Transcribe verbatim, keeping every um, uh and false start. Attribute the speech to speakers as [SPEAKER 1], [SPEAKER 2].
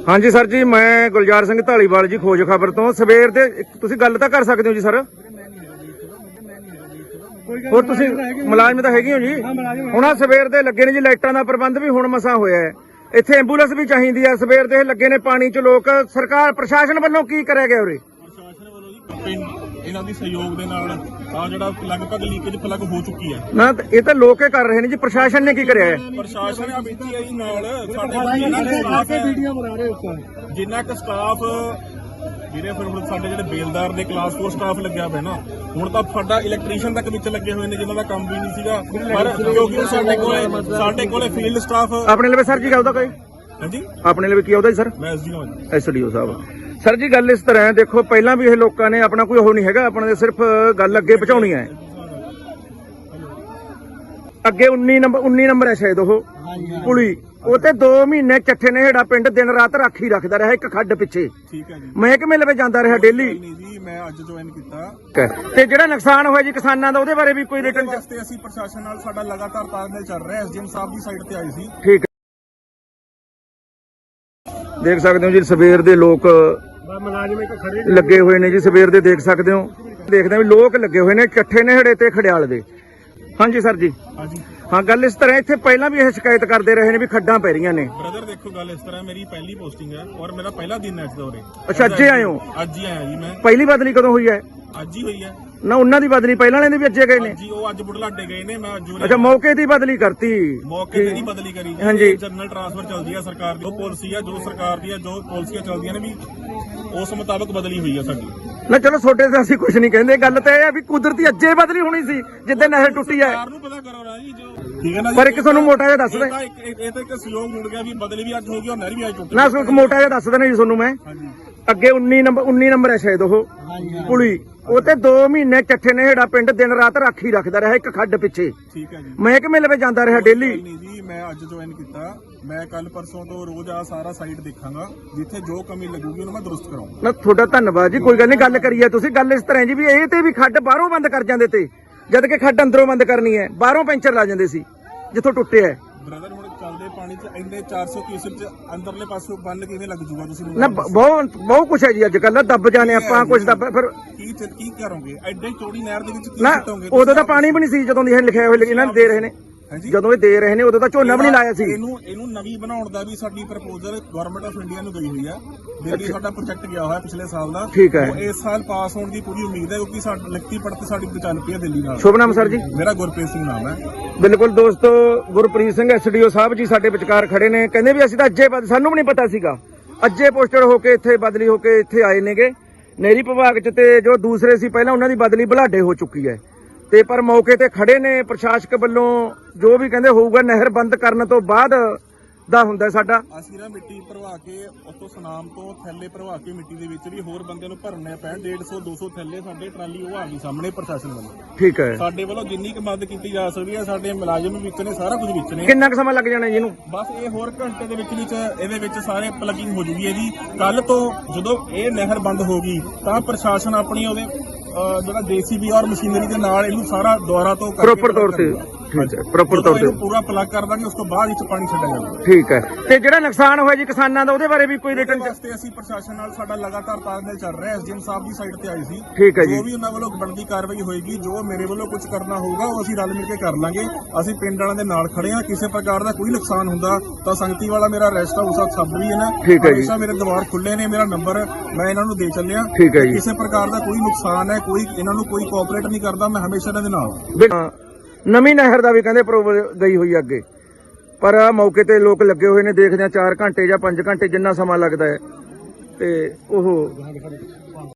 [SPEAKER 1] हाँ जी सर जी, मैं गुलजार सिंह धालीवाल जी खोज खबर तो सवेर दे तुसीं गल तां कर सकदे हो जी सर। ਹੋਰ ਤੁਸੀਂ ਮੁਲਾਜ਼ਮ ਤਾਂ ਹੈਗੇ ਹੋ ਜੀ। ਹੁਣ ਆ ਸਵੇਰ ਦੇ ਲੱਗੇ ਨੇ ਜੀ, ਲਾਈਟਾਂ ਦਾ ਪ੍ਰਬੰਧ ਵੀ ਹੁਣ ਮਸਾ ਹੋਇਆ ਹੈ। ਇੱਥੇ ਐਂਬੂਲੈਂਸ ਵੀ ਚਾਹੀਦੀ ਹੈ। ਸਵੇਰ ਦੇ ਲੱਗੇ ਨੇ ਪਾਣੀ 'ਚ ਲੋਕ। ਸਰਕਾਰ ਪ੍ਰਸ਼ਾਸਨ ਵੱਲੋਂ ਕੀ ਕਰਿਆ ਗਿਆ ਉਰੇ?
[SPEAKER 2] ਪ੍ਰਸ਼ਾਸਨ ਵੱਲੋਂ ਜੀ ਪਿੰਡ ਇਹਨਾਂ ਦੀ ਸਹਿਯੋਗ ਦੇ ਨਾਲ ਆ ਜਿਹੜਾ ਲਗਭਗ ਲੀਕੇਜ ਪਲੱਗ ਹੋ ਚੁੱਕੀ ਹੈ
[SPEAKER 1] ਨਾ, ਇਹ ਤਾਂ ਲੋਕ ਹੀ ਕਰ ਰਹੇ ਨੇ ਜੀ। ਪ੍ਰਸ਼ਾਸਨ ਨੇ ਕੀ ਕਰਿਆ ਹੈ?
[SPEAKER 2] ਪ੍ਰਸ਼ਾਸਨ ਆ ਬੀਤੀ ਹੈ ਜੀ ਨਾਲ ਸਾਡੇ ਵੀਡੀਓ ਬਣਾ ਰਹੇ ਉੱਪਰ ਜਿੰਨਾ ਕੁ ਸਟਾਫ ਜਿਹੜੇ ਫਿਰ ਹੁਣ ਸਾਡੇ ਜਿਹੜੇ ਬੇਲਦਾਰ ਦੇ ਕਲਾਸ ਫੋਰ ਸਟਾਫ ਲੱਗਿਆ ਪਿਆ ਨਾ, ਹੁਣ ਤਾਂ ਸਾਡਾ ਇਲੈਕਟ੍ਰੀਸ਼ੀਅਨ ਤੱਕ ਵਿੱਚ ਲੱਗੇ ਹੋਏ ਨੇ ਜਿਨ੍ਹਾਂ ਦਾ ਕੰਮ ਵੀ ਨਹੀਂ ਸੀਗਾ। ਪਰ ਕਿਉਂਕਿ ਸਾਡੇ ਕੋਲੇ ਸਾਡੇ ਕੋਲੇ ਫੀਲਡ ਸਟਾਫ
[SPEAKER 1] ਆਪਣੇ ਲਈ ਸਰ ਜੀ ਗੱਲ ਦਾ ਕੋਈ
[SPEAKER 2] ਹਾਂਜੀ
[SPEAKER 1] ਆਪਣੇ ਲਈ ਕੀ ਆਉਦਾ ਜੀ ਸਰ?
[SPEAKER 2] ਮੈਂ ਐਸਡੀਓ ਹਾਂ।
[SPEAKER 1] ਐਸਡੀਓ ਸਾਹਿਬ ਸਰ ਜੀ, ਗੱਲ ਇਸ ਤਰ੍ਹਾਂ ਹੈ, ਦੇਖੋ ਪਹਿਲਾਂ ਵੀ ਇਹ ਲੋਕਾਂ ਨੇ ਆਪਣਾ ਕੋਈ ਉਹ ਨਹੀਂ ਹੈਗਾ, ਆਪਣੇ ਦੇ ਸਿਰਫ ਗੱਲ ਅੱਗੇ ਪਹੁੰਚਾਉਣੀ ਹੈ। ਅੱਗੇ ਉੱਨੀ ਨੰਬਰ ਉੱਨੀ ਨੰਬਰ ਹੈ ਸ਼ਾਇਦ ਉਹ ਪੁਲੀ, ਉਹ ਤੇ ਦੋ ਮਹੀਨੇ ਚੱਠੇ ਨੇ ਹੇੜਾ ਪਿੰਡ ਦਿਨ ਰਾਤ ਰਾਖੀ ਰੱਖਦਾ ਰਿਹਾ ਇੱਕ ਖੱਡ ਪਿੱਛੇ।
[SPEAKER 2] ਠੀਕ ਹੈ ਜੀ।
[SPEAKER 1] ਮਹਿਕਮੇ ਲਵੇ ਜਾਂਦਾ ਰਿਹਾ ਡੇਲੀ।
[SPEAKER 2] ਨਹੀਂ ਜੀ, ਮੈਂ ਅੱਜ ਜੁਆਇਨ ਕੀਤਾ।
[SPEAKER 1] ਤੇ ਜਿਹੜਾ ਨੁਕਸਾਨ ਹੋਇਆ ਜੀ ਕਿਸਾਨਾਂ ਦਾ, ਉਹਦੇ ਬਾਰੇ ਵੀ ਕੋਈ ਰਿਟਰਨ
[SPEAKER 2] ਵਾਸਤੇ ਅਸੀਂ ਪ੍ਰਸ਼ਾਸਨ ਨਾਲ ਸਾਡਾ ਲਗਾਤਾਰ ਤਾਲਮੇਲ ਚੱਲ ਰਿਹਾ। ਐਸਡੀਐਮ ਸਾਹਿਬ ਦੀ ਸਾਈਡ ਤੇ ਆਏ ਸੀ।
[SPEAKER 1] ਠੀਕ ਹੈ, ਦੇਖ ਸਕਦੇ ਹੋ ਜੀ ਸਵੇਰ ਦੇ ਲੋਕ ਲੱਗੇ ਹੋਏ ਨੇ ਜੀ। ਸਵੇਰ ਦੇ ਦੇਖ ਸਕਦੇ ਹੋ, ਦੇਖਦੇ ਵੀ ਲੋਕ ਲੱਗੇ ਹੋਏ ਨੇ ਚੱਠੇ ਨੇੜੇ ਤੇ ਖੜਿਆਲ ਦੇ। ਹਾਂਜੀ ਸਰ ਜੀ।
[SPEAKER 2] ਹਾਂਜੀ
[SPEAKER 1] ਹਾਂ, ਗੱਲ ਇਸ ਤਰ੍ਹਾਂ, ਇੱਥੇ ਪਹਿਲਾਂ ਵੀ ਇਹ ਸ਼ਿਕਾਇਤ ਕਰਦੇ ਰਹੇ ਨੇ ਵੀ ਖੱਡਾਂ ਪੈ ਰਹੀਆਂ ਨੇ।
[SPEAKER 2] ਬ੍ਰਦਰ ਦੇਖੋ ਗੱਲ ਇਸ ਤਰ੍ਹਾਂ, ਮੇਰੀ ਪਹਿਲੀ ਪੋਸਟਿੰਗ ਹੈ ਔਰ ਮੇਰਾ ਪਹਿਲਾ ਦਿਨ ਹੈ ਇਸ ਦੌਰੇ।
[SPEAKER 1] ਅੱਛਾ, ਅੱਜ ਹੀ ਆਏ ਹੋ?
[SPEAKER 2] ਅੱਜ ਹੀ ਆਇਆ ਜੀ ਮੈਂ।
[SPEAKER 1] ਪਹਿਲੀ ਬਦਲੀ ਕਦੋਂ ਹੋਈ ਹੈ?
[SPEAKER 2] ਅੱਜ ਹੀ ਹੋਈ ਹੈ
[SPEAKER 1] ਨਾ, ਉਹਨਾਂ ਦੀ ਬਦਲੀ ਪਹਿਲਾਂ ਵਾਲੇ ਦੇ ਵੀ ਅੱਜੇ ਗਏ ਨੇ
[SPEAKER 2] ਜੀ। ਉਹ ਅੱਜ ਬੁਢਲਾਡੇ ਗਏ ਨੇ। ਮੈਂ ਜੂਰੇ
[SPEAKER 1] ਅੱਛਾ, ਮੌਕੇ ਦੀ ਬਦਲੀ ਕਰਤੀ।
[SPEAKER 2] ਮੌਕੇ ਤੇ ਨਹੀਂ ਬਦਲੀ ਕਰੀ।
[SPEAKER 1] ਹਾਂਜੀ,
[SPEAKER 2] ਜਨਰਲ ਟ੍ਰਾਂਸਫਰ ਚੱਲਦੀ ਹੈ ਸਰਕਾਰ ਦੀ। ਉਹ ਪਾਲਿਸੀ ਹੈ ਜੋ ਸਰਕਾਰ ਦੀ ਹੈ, ਜੋ ਪਾਲਿਸੀਆਂ ਚੱਲਦੀਆਂ ਨੇ ਵੀ ਉਸ ਮੁਤਾਬਕ ਬਦਲੀ ਹੋਈ ਹੈ ਸਾਡੀ। ਨਾ
[SPEAKER 1] ਚਲੋ ਛੋਟੇ ਤੇ ਅਸੀਂ ਕੁਝ ਨਹੀਂ ਕਹਿੰਦੇ। ਗੱਲ ਤਾਂ ਇਹ ਹੈ ਵੀ ਕੁਦਰਤੀ ਅੱਜੇ ਬਦਲੀ ਹੋਣੀ ਸੀ ਜਿੱਦਾਂ ਨਹਿਰ ਟੁੱਟੀ ਹੈ।
[SPEAKER 2] ਸਰਕਾਰ ਨੂੰ ਪਤਾ ਕਰੋ ਨਾ ਜੀ ਜੋ ਠੀਕ ਹੈ ਨਾ।
[SPEAKER 1] ਪਰ ਇੱਕ ਤੁਹਾਨੂੰ ਮੋਟਾ ਜਿਹਾ ਦੱਸ ਦੇ,
[SPEAKER 2] ਇਹ ਤਾਂ ਇੱਕ ਸਹਿਯੋਗ ਜੁੜ ਗਿਆ ਵੀ ਬਦਲੀ ਵੀ ਅੱਜ ਹੋ ਗਈ ਔਰ ਨਹਿਰ ਵੀ ਅੱਜ ਟੁੱਟ
[SPEAKER 1] ਨਾ। ਇੱਕ ਮੋਟਾ ਜਿਹਾ ਦੱਸ ਦੇਣਾ ਜੀ ਤੁਹਾਨੂੰ ਮੈਂ।
[SPEAKER 2] ਹਾਂਜੀ।
[SPEAKER 1] ਅੱਗੇ ਉੱਨੀ ਨੰਬਰ ਉੱਨੀ ਨੰਬਰ ਹੈ ਸ਼ਾਇਦ ਉਹ ਪੁਲੀ, ਉਹ ਤੇ ਦੋ ਮਹੀਨੇ ਚੱਠੇ ਨੇ ਹੇੜਾ ਪਿੰਡ ਦਿਨ ਰਾਤ ਰਾਖੀ ਰੱਖਦਾ ਰਿਹਾ ਇੱਕ ਖੱਡ ਪਿੱਛੇ।
[SPEAKER 2] ਠੀਕ ਹੈ ਜੀ।
[SPEAKER 1] ਮਹਿਕਮੇ ਲਵੇ ਜਾਂਦਾ ਰਿਹਾ ਡੇਲੀ।
[SPEAKER 2] ਨਹੀਂ ਜੀ, ਮੈਂ ਅੱਜ ਜੁਆਇਨ ਕੀਤਾ। ਮੈਂ ਕੱਲ ਪਰਸੋਂ ਤੋਂ ਰੋਜ਼ ਆ ਸਾਰਾ ਸਾਈਟ ਦੇਖਾਂਗਾ, ਜਿੱਥੇ ਜੋ ਕਮੀ ਲੱਗੂਗੀ ਉਹਨੂੰ ਮੈਂ ਦਰੁਸਤ ਕਰਾਉਂਗਾ।
[SPEAKER 1] ਨਾ ਤੁਹਾਡਾ ਧੰਨਵਾਦ ਜੀ, ਕੋਈ ਗੱਲ ਨਹੀਂ। ਗੱਲ ਕਰੀਏ ਤੁਸੀਂ। ਗੱਲ ਇਸ ਤਰ੍ਹਾਂ ਜੀ ਵੀ ਇਹ ਤੇ ਵੀ ਖੱਡ ਬਾਹਰੋਂ ਬੰਦ ਕਰ ਜਾਂਦੇ ਤੇ, ਜਦ ਕਿ ਖੱਡ ਅੰਦਰੋਂ ਬੰਦ ਕਰਨੀ ਹੈ। ਬਾਹਰੋਂ ਪੈਂਚਰ ਲਾ ਜਾਂਦੇ ਸੀ ਜਿੱਥੋਂ ਟੁੱਟਿਆ ਹੈ।
[SPEAKER 2] ਬ੍ਰਦਰ ਹੁਣ ਚੱਲਦੇ ਪਾਣੀ 'ਚ ਇੰਨੇ ਚਾਰ ਸੌ ਕਿਊਸੈਕ 'ਚ ਅੰਦਰਲੇ ਪਾਸੋਂ ਬੰਨ ਕਿਵੇਂ ਲੱਗ ਜੂਗਾ ਤੁਸੀਂ?
[SPEAKER 1] ਨਾ ਬਹੁਤ ਬਹੁਤ ਕੁਛ ਹੈ ਜੀ ਅੱਜ ਕੱਲ੍ਹ। ਦੱਬ ਜਾਣੇ ਆਪਾਂ ਕੁਛ ਦੱਬ ਫਿਰ
[SPEAKER 2] ਕੀ ਕੀ ਕਰੋਗੇ? ਐਡੇ ਚੌੜੀ ਨਹਿਰ ਦੇ ਵਿੱਚ ਕੀ
[SPEAKER 1] ਨਾ,
[SPEAKER 2] ਸੁੱਟੋਗੇ?
[SPEAKER 1] ਉਦੋਂ ਤਾਂ ਪਾਣੀ ਵੀ ਨਹੀਂ ਸੀ ਜਦੋਂ ਦੀ ਇਹ ਲਿਖਿਆ ਹੋਇਆ ਇਹਨਾਂ ਨੇ ਦੇ ਰਹੇ ਨੇ। ਜਦੋਂ ਇਹ ਦੇ ਰਹੇ ਨੇ ਉਦੋਂ ਤਾਂ ਝੋਨਾ ਵੀ ਨਹੀਂ ਲਾਇਆ ਸੀ।
[SPEAKER 2] ਇਹਨੂੰ ਇਹਨੂੰ ਨਵੀਂ ਬਣਾਉਣ ਦਾ ਵੀ ਸਾਡੀ ਪ੍ਰਪੋਜ਼ਲ ਗਵਰਨਮੈਂਟ ਆਫ ਇੰਡੀਆ ਨੂੰ ਗਈ ਹੋਈ ਆ। ਦਿੱਲੀ ਸਾਡਾ ਪ੍ਰੋਜੈਕਟ ਗਿਆ ਹੋਇਆ ਪਿਛਲੇ ਸਾਲ ਦਾ।
[SPEAKER 1] ਠੀਕ ਹੈ।
[SPEAKER 2] ਇਸ ਸਾਲ ਪਾਸ ਹੋਣ ਦੀ ਪੂਰੀ ਉਮੀਦ ਹੈ ਕਿਉਂਕਿ ਸਾਡੀ ਲਿਖਤੀ ਪੜਤ ਸਾਡੀ ਚੱਲ ਪਈ ਹੈ ਦਿੱਲੀ ਨਾਲ।
[SPEAKER 1] ਸ਼ੁਭ ਨਾਮ ਸਰ ਜੀ?
[SPEAKER 2] ਮੇਰਾ ਗੁਰਪ੍ਰੀਤ ਸਿੰਘ ਨਾਮ ਹੈ।
[SPEAKER 1] ਬਿਲਕੁਲ ਦੋਸਤੋ, ਗੁਰਪ੍ਰੀਤ ਸਿੰਘ ਐਸਡੀਓ ਸਾਹਿਬ ਜੀ ਸਾਡੇ ਵਿਚਕਾਰ ਖੜੇ ਨੇ। ਕਹਿੰਦੇ ਵੀ ਅਸੀਂ ਤਾਂ ਅੱਜੇ ਬਦ ਸਾਨੂੰ ਵੀ ਨਹੀਂ ਪਤਾ ਸੀਗਾ, ਅੱਜੇ ਪੋਸਟਡ ਹੋ ਕੇ ਇੱਥੇ ਬਦਲੀ ਹੋ ਕੇ ਇੱਥੇ ਆਏ ਨੇਗੇ ਨਹਿਰੀ ਵਿਭਾਗ 'ਚ। ਤੇ ਜੋ ਦੂਸਰੇ ਸੀ ਪਹਿਲਾਂ ਉਹਨਾਂ ਦੀ ਬਦਲੀ ਬੁਢਲਾਡੇ ਹੋ ਚੁੱਕੀ ਹੈ। ਤੇ ਪਰ ਮੌਕੇ ਤੇ ਖੜੇ ਨੇ ਪ੍ਰਸ਼ਾਸਕ ਵੱਲੋਂ ਜੋ ਵੀ ਕਹਿੰਦੇ ਹੋਊਗਾ ਨਹਿਰ ਬੰਦ ਕਰਨ ਤੋਂ ਬਾਅਦ ਦਾ ਹੁੰਦਾ ਸਾਡਾ।
[SPEAKER 2] ਅਸੀਂ ਨਾ ਮਿੱਟੀ ਭਰਵਾ ਕੇ ਉੱਥੋਂ ਸੁਨਾਮ ਤੋਂ ਥੈਲੇ ਭਰਵਾ ਕੇ ਮਿੱਟੀ ਦੇ ਵਿੱਚ ਵੀ ਹੋਰ ਬੰਦੇ ਨੂੰ ਭਰਨੇ ਪੈਣ। ਡੇਢ ਸੌ ਦੋ ਸੌ ਥੈਲੇ ਸਾਡੇ ਟਰਾਲੀ ਉਹ ਆ ਗਈ ਸਾਹਮਣੇ ਪ੍ਰਸ਼ਾਸਨ ਵੱਲੋਂ। ਠੀਕ ਹੈ। ਸਾਡੇ ਵੱਲੋਂ ਜਿੰਨੀ ਕੁ ਮਦਦ ਕੀਤੀ ਜਾ ਸਕਦੀ ਹੈ, ਸਾਡੇ ਮੁਲਾਜ਼ਮ ਵਿੱਚ ਨੇ, ਸਾਰਾ ਕੁਝ ਵਿੱਚ ਨੇ।
[SPEAKER 1] ਕਿੰਨਾ ਕੁ ਸਮਾਂ ਲੱਗ ਜਾਣਾ ਜੀ ਇਹਨੂੰ?
[SPEAKER 2] ਬਸ ਇਹ ਹੋਰ ਘੰਟੇ ਦੇ ਵਿੱਚ ਵਿੱਚ ਇਹਦੇ ਵਿੱਚ ਸਾਰੇ ਪਲੱਗਿੰਗ ਹੋ ਜੂਗੀ ਇਹਦੀ। ਕੱਲ ਤੋਂ ਜਦੋਂ ਇਹ ਨਹਿਰ ਬੰਦ ਹੋ ਗਈ ਤਾਂ ਪ੍ਰਸ਼ਾਸਨ ਆਪਣੀ ਉਹਦੇ ਜਿਹੜਾ ਜੇਸੀਬੀ ਔਰ ਮਸ਼ੀਨਰੀ ਦੇ ਨਾਲ ਇਹਨੂੰ ਸਾਰਾ ਦੁਆਰਾ ਤੋਂ
[SPEAKER 1] ਪ੍ਰੋਪਰ ਤੌਰ ਤੇ ਠੀਕ ਹੈ ਪ੍ਰੋਪਰ ਤੌਰ ਤੇ
[SPEAKER 2] ਪੂਰਾ ਪਲੱਗ ਕਰ ਦਾਂਗੇ। ਉਸ ਤੋਂ ਬਾਅਦ ਵਿੱਚ ਪਾਣੀ ਛੱਡਿਆ ਜਾਊਗਾ।
[SPEAKER 1] ਠੀਕ ਹੈ। ਤੇ ਜਿਹੜਾ ਨੁਕਸਾਨ ਹੋਇਆ ਜੀ ਕਿਸਾਨਾਂ ਦਾ, ਉਹਦੇ ਬਾਰੇ ਵੀ ਕੋਈ ਰਿਟਰਨ
[SPEAKER 2] ਵਾਸਤੇ ਅਸੀਂ ਪ੍ਰਸ਼ਾਸਨ ਨਾਲ ਸਾਡਾ ਲਗਾਤਾਰ ਤਾਲਮੇਲ ਚੱਲ ਰਿਹਾ। ਐਸਡੀਐਮ ਸਾਹਿਬ ਦੀ ਸਾਈਡ ਤੇ ਆਏ ਸੀ।
[SPEAKER 1] ਠੀਕ ਹੈ ਜੀ।
[SPEAKER 2] ਜੋ ਵੀ ਉਹਨਾਂ ਵੱਲੋਂ ਬਣਦੀ ਕਾਰਵਾਈ ਹੋਏਗੀ, ਜੋ ਮੇਰੇ ਵੱਲੋਂ ਕੁਝ ਕਰਨਾ ਹੋਊਗਾ ਉਹ ਅਸੀਂ ਰਲ ਮਿਲ ਕੇ ਕਰ ਲਾਂਗੇ। ਅਸੀਂ ਪਿੰਡ ਵਾਲਿਆਂ ਦੇ ਨਾਲ ਖੜੇ ਹਾਂ। ਕਿਸੇ ਪ੍ਰਕਾਰ ਦਾ ਕੋਈ ਨੁਕਸਾਨ ਹੁੰਦਾ ਤਾਂ ਸੰਗਤੀ ਵਾਲਾ ਮੇਰਾ ਰੈਸਟ ਹਾਊਸ ਆ ਸਭ ਵੀ ਹੈ ਨਾ।
[SPEAKER 1] ਠੀਕ ਹੈ ਜੀ।
[SPEAKER 2] ਹਮੇਸ਼ਾ ਮੇਰੇ ਦਵਾਰ ਖੁੱਲੇ ਨੇ। ਮੇਰਾ ਨੰਬਰ ਮੈਂ ਇਹਨਾਂ ਨੂੰ ਦੇ ਚੱਲਿਆ।
[SPEAKER 1] ਠੀਕ ਹੈ ਜੀ।
[SPEAKER 2] ਕਿਸੇ ਪ੍ਰਕਾਰ ਦਾ ਕੋਈ ਨੁਕਸਾਨ ਹੈ, ਕੋਈ ਇਹਨਾਂ ਨੂੰ ਕੋਈ ਕੋਆਪਰੇਟ ਨਹੀਂ ਕਰਦਾ, ਮੈਂ ਹਮੇਸ਼ਾ ਇਹਨਾਂ ਦੇ ਨਾਲ।
[SPEAKER 1] ਨਵੀਂ ਨਹਿਰ ਦਾ ਵੀ ਕਹਿੰਦੇ ਅਪਰੂਵਲ ਗਈ ਹੋਈ ਅੱਗੇ, ਪਰ ਆ ਮੌਕੇ ਤੇ ਲੋਕ ਲੱਗੇ ਹੋਏ ਨੇ। ਦੇਖਦੇ ਆ ਚਾਰ ਘੰਟੇ ਜਾਂ ਪੰਜ ਘੰਟੇ ਜਿੰਨਾ ਸਮਾਂ ਲੱਗਦਾ ਹੈ ਤੇ ਉਹ